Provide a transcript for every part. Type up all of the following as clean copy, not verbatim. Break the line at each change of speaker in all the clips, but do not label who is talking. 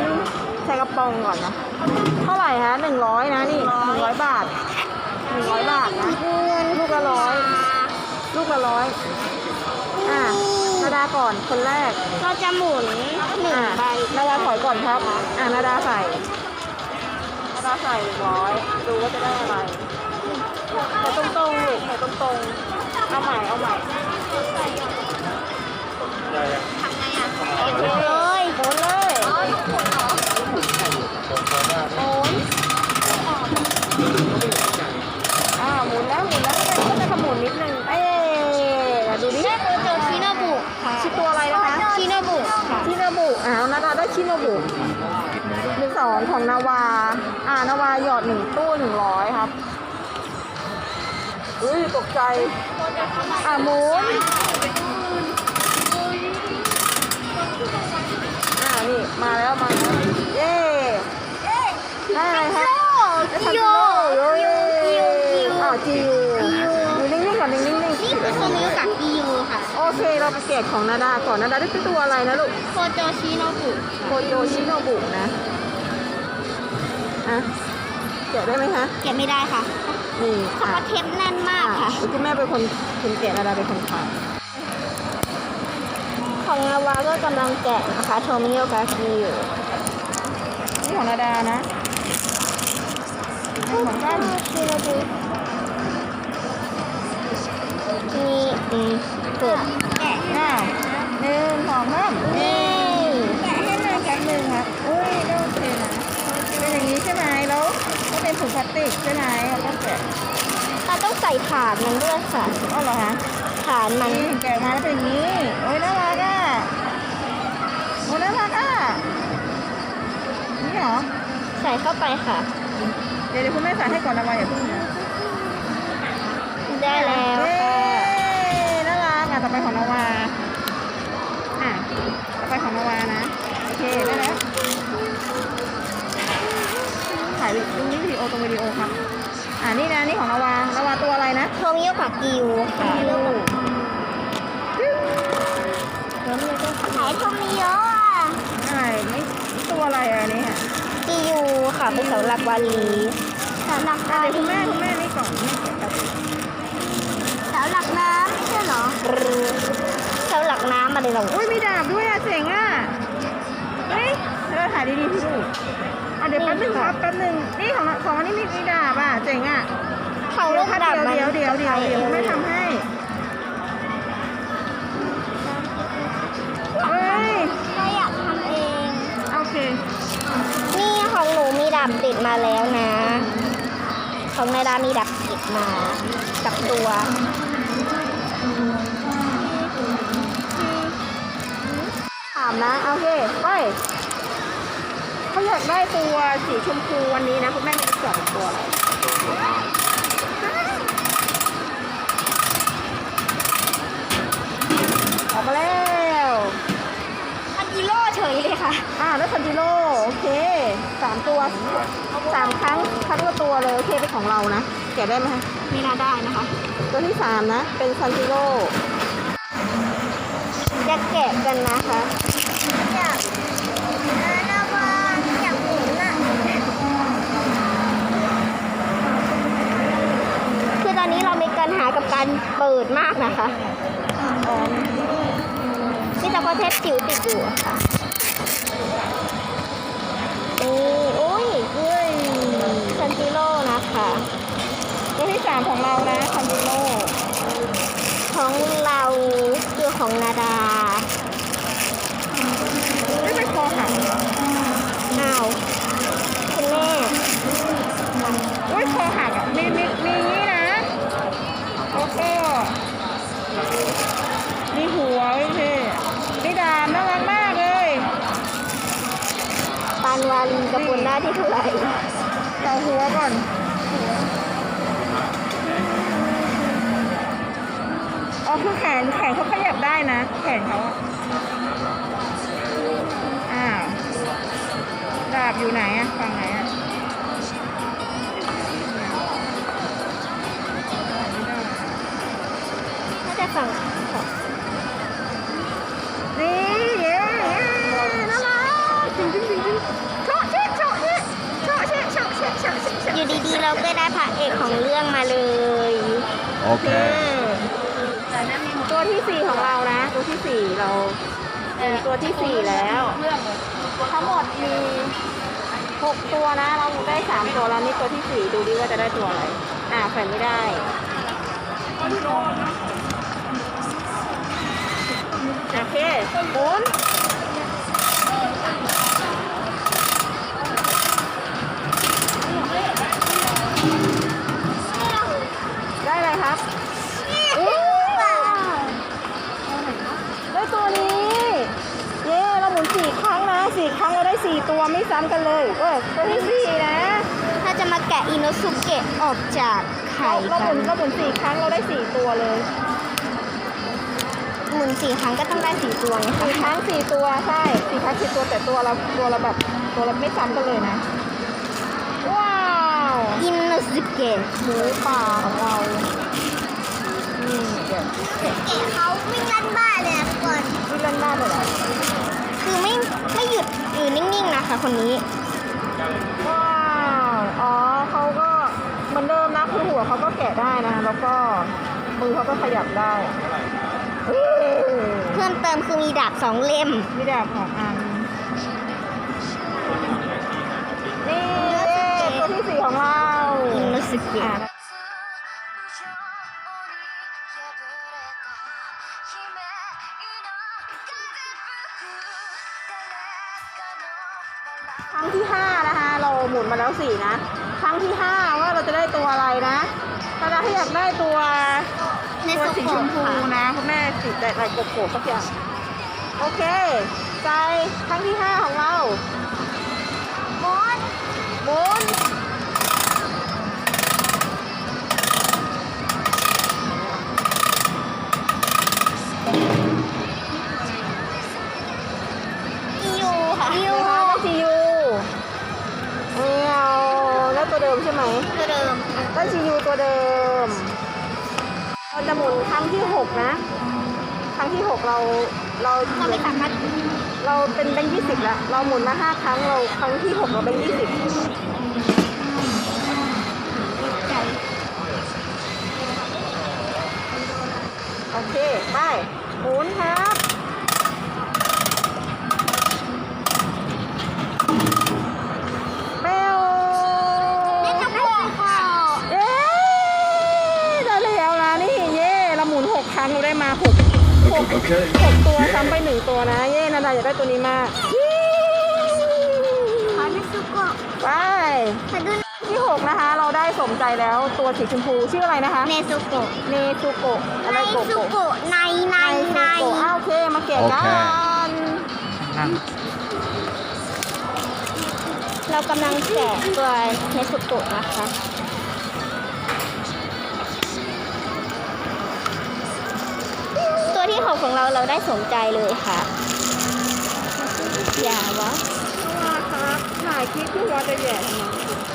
ใส่กระป๋องก่อนนะเท่าไหร่ฮะ100นะนี่100 บาท100 บาทนะลูกละ100ลูกละ100นาดาก่อนคนแรก
เราจะหมุน1 ใบ
นาดาถอยก่อนครับนาดาใส่100ดูว่าจะได้อะไรใส่ตรงๆลูกใส่ตรงๆเอาใหม่
ทำไงอ่ะ
โอเคเลยหมุนเลยหมุนหมุนแล้วก็จะขมุนนิดนึงดูดิ
เจอชิโนบุค่ะ
ชื่อตัวอะไรนะคะ
ชิโนบุค่ะ
ชิโนบุนาดาได้ชิโนบุ12ของนาวานาวาหยอด1 ตู้100ครับตกใจหมุนนี่มาแล้วเย้ได้อะไรครับ
จิโย
จิวอยู่นิ่งๆก่อนนิ่งๆ
นี่คือโทมิวกับกิโยค่ะ
โอเคเราไปเกตของนาดาก่อนนาดาได้เป็นตัวอะไรนะลูก
โคโจชิโนบุ
นะเกะได้ไหมคะ
เก็บไม่ได้ค่ะ
นี่
เพราะเทปแน่นมากค่ะ
คุณแม่เป็นคนเกะนาดาเป็นคนขาย
ของนาวาก็กำลังแกะนะคะโทมิโอกากิอยู่
นี่ของนาดานะของก้าน
ชิโนบุนี่เปิดแกะ
1 2 3นี่แกะให้หน่อยแป๊บนึงครับได้โอเคนะเป็นอย่างนี้ใช่ไหมแล้วก็เป็นถุงพลาสติกใช่ไหมเราต้องแกะ
เราต้องใส่ถาดมันด้วยค่ะ
เหรอคะ
ฐานมัน
แกะมาแล้วเป็นอย่างนี้น่ารักนี่เหรอ
ใส่เข้าไปค่ะ
เดี๋ยวคุณแม่ใส่ให้ก่อนนะวาอย่าเพิ่งนะ
ได้แล้วค่ะ
น่ารักต่อไปของนาวาต่อไปของนาวานะโอเคได้แล้วถ่ายวิดีโอตรงวิดีโอครับนี่นะนี่ของนาวาตัวอะไรนะ
โทมิโอกากิวค่ะขายโทมิโอ
นี่ตัวอะไรนี่ค่ะ
กิยูค่ะเป็นเสาหลักวาลีเสาหลัก
อะไรคุณแม่นี่ก่อน
เสาหลักน้ำไม่ใช่เหรอเสาหลักน้ำอะไรหรอ
มีดาบด้วยเจ๋งเราถ่ายดีๆพี่ลูกเดี๋ยวแป๊บนึงครับนี่ของอันนี้มีดาบเจ๋ง
ของลูกดาบ
เดี๋ยวไม่ทำให้
เราอยากทำเอง
โอเค
นี่ของหนูมีดาบติดมาแล้วนะของนายดามีดาบติดมากับตัว
ถามนะโอเคไปเขาอยากได้ตัวสีชมพูวันนี้นะคุณแม่มี2 ตัวออกมาแล้ว
ทันจิโร่เฉยเลยค่ะ
แล้วทันจิโร่โอเค3 ตัว3 ครั้งละตัวเลยโอเคเป็นของเรานะแกะได้ไหมคะ
ไม่น่าได้นะคะ
ตัวที่3นะเป็นทันจิโร่
จะแกะกันนะคะอยากหมุนคือตอนนี้เรามีปัญหากับการเปิดมากนะคะนี่ตะกเทปจิ๋วติดอยู่ค่ะซันจิโร่นะคะ
ตัวที่3ของเรานะซันจิโร่
ของเราคือของนาดา
ไม่ไปคอหัก
คุณแม่
คอหักมีนี้นะแล้วก็มีหัวมีดาบน่ารักมากเลย
ปานวาลีกระปุนหน้าที่เท่าไหร่
ต่อหัวก่อนคือแขนเขาขยับได้นะแขนเขาดาบอยู่ไหนฝั่งไหน
น่าจะฝั่ง
นี่น่ารักจริง
ก็ได้พระเอกของเรื่องมาเลย
Okay.
ตัวที่สี่ของเรานะ ตัวที่สี่เราเป็นตัวที่สี่แล้วทั้งหมดมี6ตัวนะ เราได้3ตัวแล้วนี่ตัวที่สี่ดูดิว่าจะได้ตัวอะไรแขวนไม่ได้โอเคหมุนได้อะไรครับได้ตัวนี้ เย้เราหมุน4 ครั้งนะ4 ครั้งเราได้4ตัวไม่ซ้ำกันเลยตัวที่4นะ
ถ้าจะมาแกะอิโนสุเกะออกจากไข่
เราห
กั
มุ
น
น4 ครั้งเราได้4ตัวเลย
หมุน4 ครั้งก็ต้องได้4ตัวนะคะ
4 ครั้ง4 ตัวใช่4 ครั้ง4 ตัวแต่ตัวเราแบบตัวเราไม่ซ้ำกันเลยนะว้าว
อิโนสุเกะ
หมูป่าของเราเดี๋ยว
เกะเขาวิ่งลั่นบ้านเลยทุกคน
ที่เล่นได้เลยเหรอ
คือไม่หยุดอยู่นิ่งๆนะคะคนนี้
ว้าวอ๋อเขาก็เหมือนเดิมนะคือหัวเขาก็แกะได้นะแล้วก็มือเขาก็ขยับได้
เพิ่มเติมคือมีดาบ2 เล่ม
มีดาบของอันนี่ตัวที่4ของเรา
อิโนสุเกะ
ครั้งที่5นะคะเราหมุนมาแล้ว4นะครั้งที่5ว่าเราจะได้ตัวอะไรนะถ้าอยากได้ตัว
ใน
ตัว
สุ
สี
โก
ชมพู
ค่ะ
นะคุณแม่สีแต่ลายโกโก้สักอย่างโอเคใจครั้งที่5ของเราหมุน
ยูค่ะยู
นะคะได้ซียูเอาแล้วตัวเดิมใช่ไหม
ตัวเดิม
ได้ซียูตัวเดิมเราจะหมุนครั้งที่6นะครั้งที่6เรา
เราไม่สามารถ
เราเป็นแบงค์20แล้วเราหมุนมา5 ครั้งเราครั้งที่6เราแบงค์20โอเคไปหมุนครับเบล
ได้ทั้งหมดค่ะ
เย้ได้แล้วนะนี่เย่เราหมุน6 ครั้งเราได้มา6
Okay.
ตัวซ้ำไป1 ตัวนะเย่นาดาอยากได้ตัวนี้มาก
ขอเนสุโกะ
ไป
ขอดู
ที่6นะคะเราได้สมใจแล้วตัวสีชมพูชื่ออะไรนะคะ
เนสุโกะ
เนซูโกะอะ
ใน
ไรโก
สุ
โกะ
โกะใน
โกะโอเคมาเก็บกัน
เรากำลังแกะตัวเนสุโกะนะคะ ตัวที่6ของเราได้สมใจเลยค่ะ อย่าวะ
ครับถ่ายคลิปที่วัดจะแย่ทำไม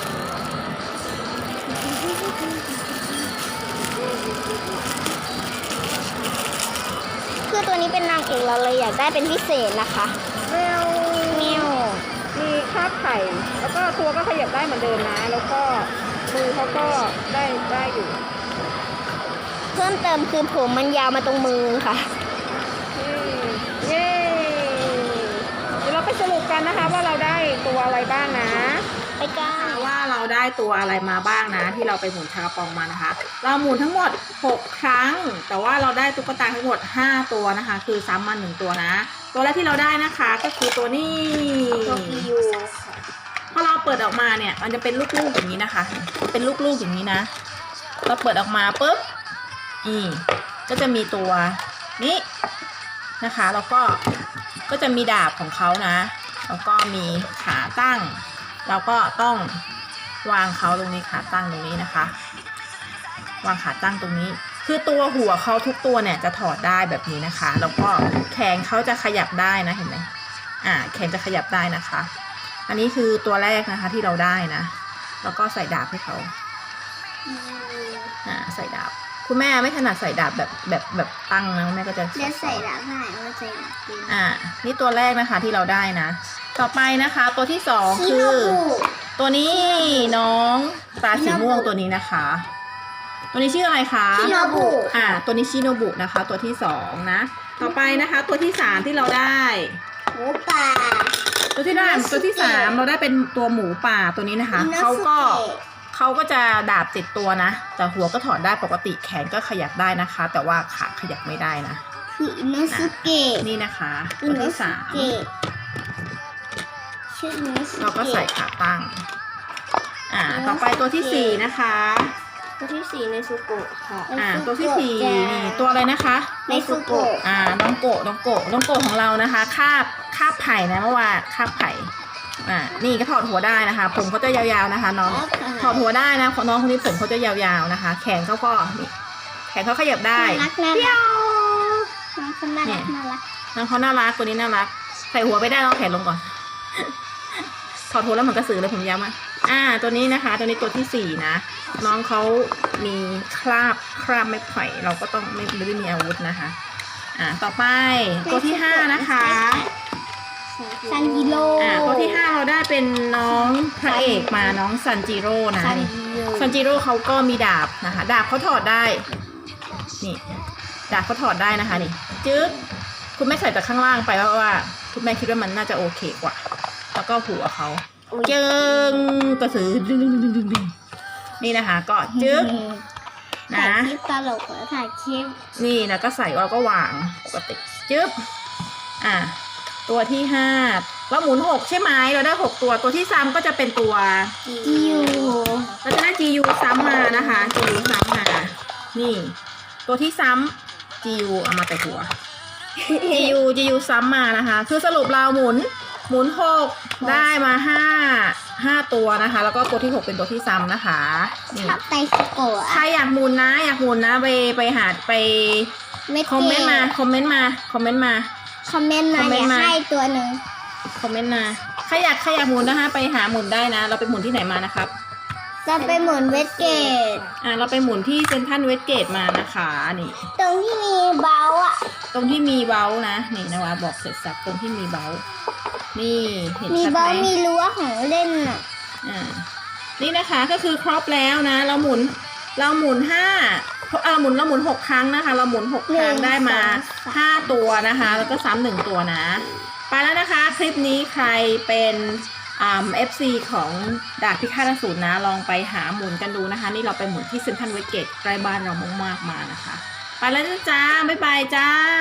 คือตัวนี้เป็นนางเอกเราเลยอยากได้เป็นพิเศษนะคะ
เบล
เมียว
มีคาบไข่แล้วก็ตัวก็ขยับได้เหมือนเดิมนะแล้วก็มือเขาก็ได้อยู่
เพิ่มเติมคือผมมันยาวมาตรงมือค่ะ
เย้เดี๋ยวเราไปสรุปกันนะคะว่าเราได้ตัวอะไรบ้างนะ
ไปกัน
ว่าเราได้ตัวอะไรมาบ้างนะที่เราไปหมุนชากระปองมานะคะ เราหมุนทั้งหมด6 ครั้ง แต่ว่าเราได้ตุ๊กตาทั้งหมด5 ตัวนะคะ คือซ้ำมา1 ตัวนะ ตัวแรกที่เราได้นะคะก็คือตัวนี้
ตัวกิยู
พอเราเปิดออกมาเนี่ยมันจะเป็นลูกๆอย่างนี้นะคะ เป็นลูกๆอย่างนี้นะ เราเปิดออกมาปุ๊บก็จะมีตัวนี้นะคะแล้วก็จะมีดาบของเขานะแล้วก็มีขาตั้งเราก็ต้องวางเขาตรงนี้ขาตั้งตรงนี้นะคะ วางขาตั้งตรงนี้ คือตัวหัวเขาทุกตัวเนี่ยจะถอดได้แบบนี้นะคะ แล้วก็แขนเขาจะขยับได้นะเห็นไหมแขนจะขยับได้นะคะ อันนี้คือตัวแรกนะคะที่เราได้นะแล้วก็ใส่ดาบให้เขาใส่ดาบคุณแม่ไม่ถนัดใส่ดาบแบบตั้งนะแม่ก็จะ
เดี๋ยวใส่ดาบให้ว่าใส่ดาบจริง
นี่ตัวแรกนะคะที่เราได้นะ ต่อไปนะคะ ตัวที่2คือตัวนี้น้องตาสีม่วงตัวนี้นะคะ ตัวนี้ชื่ออะไรคะ
ชิโนบุ
ตัวนี้ชิโนบุนะคะ ตัวที่สองนะ ต่อไปนะคะ ตัวที่สามที่เราได้
หมูป่า
ตัวที่สามเราได้เป็นตัวหมูป่าตัวนี้นะคะ
อิโน
เขา
สุ
ก็
เกะ
เขาก็จะดาบติดตัวนะ แต่หัวก็ถอดได้ปกติแขนก็ขยับได้นะคะ แต่ว่าขาขยับไม่ได้นะ
คืออิโนสุเกะ
นี่นะคะ
อิ
ตัว
โน
ที่
สุ
สาม
เกะชื่ออิโนสุเกะ
เราก็ใส่ขาตั้งต่อไปตัวที่สี่นะคะ
ตัวที่สี่ในซุโกะค่ะ
ตัวที่สี่นี่ตัวอะไรนะคะ
ในซุโกะ
น้องโกะของเรานะคะคาบไผ่นะเมื่อวานคาบไผ่นี่ก็ถอดหัวได้นะคะผมเขาจะยาวๆนะคะน้องถอดหัวได้นะน้องคนนี้ผมเขาจะยาวๆนะคะ แขนเขาก็นี่แขนเขาขยับได้
น่ารักน่ารักน้องคนน่ารักน่ารัก
น้องเขาน่ารักตัวนี้น่ารักใส่หัวไปได้น้องแขนลงก่อน ถอดหัวแล้วเหมือนกระสือเลยผมยาวมากตัวนี้นะคะ ตัวนี้ตัวที่สี่นะน้องเขามีคราบไม้ไผ่เราก็ต้องไม่ได้มีอาวุธนะคะต่อไปตัวที่ห้านะคะ
ซันจิโร่
ตัวที่ห้าเราได้เป็นน้องพระเอกมาน้องซันจิโร่นะ ซันจิโร่เขาก็มีดาบนะคะดาบเขาถอดได้นี่ดาบเขาถอดได้นะคะนี่จึ๊กคุณแม่ใส่จากข้างล่างไปเพราะว่าคุณแม่คิดว่ามันน่าจะโอเคกว่าแล้วก็หัวเขาเจิงกระสือดึงนี่นะคะก็จึ๊ก
ถ่าย
นะ
คลิปตลกเหรอถ่ายคลิป
นี่นะก็ใส่เราก็วางปกติจึ๊บตัวที่ห้าเราหมุนหกใช่ไหมเราได้ตัวที่ซ้ำก็จะเป็นตัว
จิว
เราจะได้ GU ซ้ำมานะคะ GU ซ้ำมานี่ ตัวที่ซ้ำ GU เอามาแต่หัว GU ซ้ำมานะคะ คือสรุปเราหมุน6ได้มา5ตัวนะคะ แล้วก็ตัวที่6เป็นตัวที่ซ้ำนะคะนี่
ชอบไตซุโกะ
ใครอยากหมุนนะไปหาไปคอมเมนต์มาคอมเมนต์มา
คอมเมนต์มา
คอมเมนต์
อยาก
มา
ให้ตัวหนึ่ง
คอมเมนต์มาใครอยากหมุนนะคะ ไปหาหมุนได้นะ เราไปหมุนที่ไหนมานะครับ
จะไปหมุนเวสเกต
เราไปหมุนที่เซ็นทรัลเวสเกตมานะคะนี่
ตรงที่มีเบาอ่ะ
ตรงที่มีเบ้านะนี่นะวะบอกเสร็จสับตรงที่มีเบ้านี่เห็น
มี
ชัด
เบา
ไหม
มีรั้วของเล่นอ่ะ
นี่นะคะก็คือครบแล้วนะ เราหมุนเราหมุน6ครั้งนะคะ เราหมุน6ครั้งได้มา5ตัวนะคะ แล้วก็ซ้ำ1ตัวนะไปแล้วนะคะคลิปนี้ใครเป็นFC ของดาบพิฆาตอสูรนะ ลองไปหาหมุนกันดูนะคะ นี่เราไปหมุนที่เซ็นทรัลเวสเกตใกล้บ้านเรามากๆมานะคะไปแล้วจ้าบ๊ายบายจ้า